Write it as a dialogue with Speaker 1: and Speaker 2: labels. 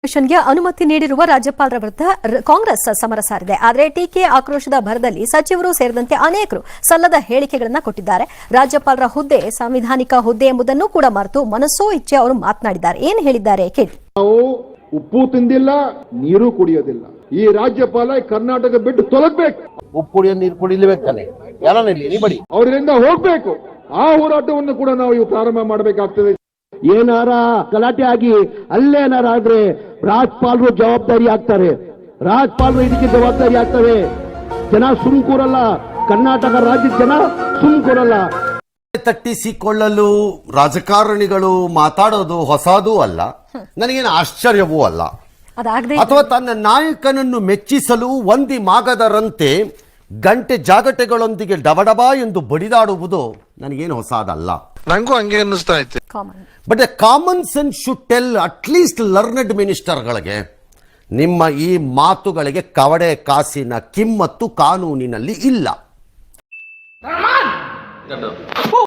Speaker 1: ಡಿಸ್ಟ್ರಿಬ್ಯೂಷನ್ಗೆ ಅನುಮತಿ ನೀಡಿರುವ ರಾಜ್ಯಪಾಲರ ವಿರುದ್ಧ ಕಾಂಗ್ರೆಸ್ ಸಮರ ಸಾರಿದೆ. ಆದರೆ ಟೀಕೆ ಆಕ್ರೋಶದ ಭರದಲ್ಲಿ ಸಚಿವರು ಸೇರಿದಂತೆ ಅನೇಕರು ಸಲ್ಲದ ಹೇಳಿಕೆಗಳನ್ನು ಕೊಟ್ಟಿದ್ದಾರೆ. ರಾಜ್ಯಪಾಲರ ಹುದ್ದೆ ಸಾಂವಿಧಾನಿಕ ಹುದ್ದೆ ಎಂಬುದನ್ನು ಕೂಡ ಮರೆತು ಮನಸ್ಸೋ ಇಚ್ಛೆ ಅವರು ಮಾತನಾಡಿದ್ದಾರೆ. ಏನು ಹೇಳಿದ್ದಾರೆ ಕೇಳಿ.
Speaker 2: ನಾವು ಉಪ್ಪು ತಿಂದಿಲ್ಲ, ನೀರು ಕುಡಿಯೋದಿಲ್ಲ. ಈ ರಾಜ್ಯಪಾಲ ಕರ್ನಾಟಕ ಬಿಟ್ಟು ತೊಲಗಬೇಕು.
Speaker 3: ಉಪ್ಪು ಕುಡಿಯೋ ನೀರು ಕುಡಿಲೇಬೇಕಾನೆ
Speaker 2: ಅವರಿಂದ ಹೋಗ್ಬೇಕು. ಆ ಹೋರಾಟವನ್ನು ಕೂಡ ನಾವು ಇವು ಪ್ರಾರಂಭ ಮಾಡಬೇಕಾಗ್ತದೆ.
Speaker 4: ಏನಾರ ಗಲಾಟೆ ಆಗಿ ಅಲ್ಲೇನಾರ ಆದ್ರೆ ರಾಜ್ಯಪಾಲರು ಜವಾಬ್ದಾರಿ ಆಗ್ತಾರೆ. ರಾಜ್ಯಪಾಲರು ಇದಕ್ಕೆ ಜವಾಬ್ದಾರಿ ಆಗ್ತವೆ. ಜನ ಸುಮ್ ಕೂರಲ್ಲ. ಕರ್ನಾಟಕ ರಾಜ್ಯದ ಜನ ಸುಮ್ ಕೂರಲ್ಲ.
Speaker 3: ತಟ್ಟಿಸಿಕೊಳ್ಳಲು ರಾಜಕಾರಣಿಗಳು ಮಾತಾಡೋದು ಹೊಸದೂ ಅಲ್ಲ, ನನಗೇನು ಆಶ್ಚರ್ಯವೂ ಅಲ್ಲ. ಅಥವಾ ತನ್ನ ನಾಯಕನನ್ನು ಮೆಚ್ಚಿಸಲು ಒಂದಿ ಮಾಗದರಂತೆ ಗಂಟೆ ಜಾಗಟೆಗಳೊಂದಿಗೆ ಡಬಡಬ ಎಂದು ಬಡಿದಾಡುವುದು ನನಗೇನು ಹೊಸದಲ್ಲ.
Speaker 5: ನಂಗೂ ಹಂಗೆ ಅನ್ನಿಸ್ತಾ ಇತ್ತು.
Speaker 3: But common sense should tell at least learned ಮಿನಿಸ್ಟರ್ಗಳಿಗೆ, ನಿಮ್ಮ ಈ ಮಾತುಗಳಿಗೆ ಕವಡೆ ಕಾಸಿನ ಕಿಮ್ಮತ್ತು ಕಾನೂನಿನಲ್ಲಿ ಇಲ್ಲ.